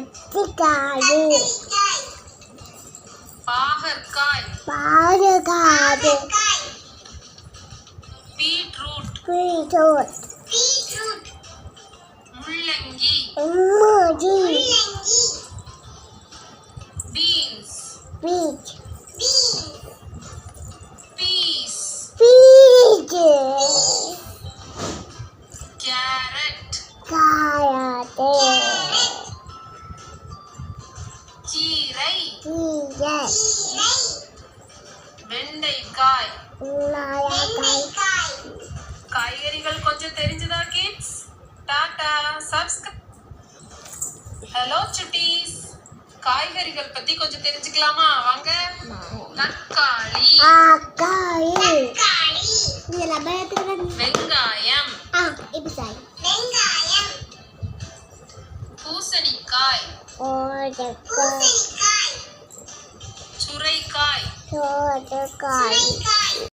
கத்திரிக்காய் பாகற்காய் பாகற்காய் பீட்ரூட் பீட்ரூட் முள்ளங்கி பீன்ஸ் பீச் பீஸ் பீச் கேரட் காரட்டு கீரை கீரை வெண்டைக்காய் நாயக்காய் காய்கறிகள் கொஞ்சம் தெரிஞ்சதா கிட்ஸ்? Tata subscribe. ஹலோ சுட்டீஸ், காய்கறிகள் பத்தி கொஞ்சம் தெரிஞ்சுக்கலாமா? வாங்க. தக்காளி வெங்காயம் பூசணிக்காய் சுரைக்காய்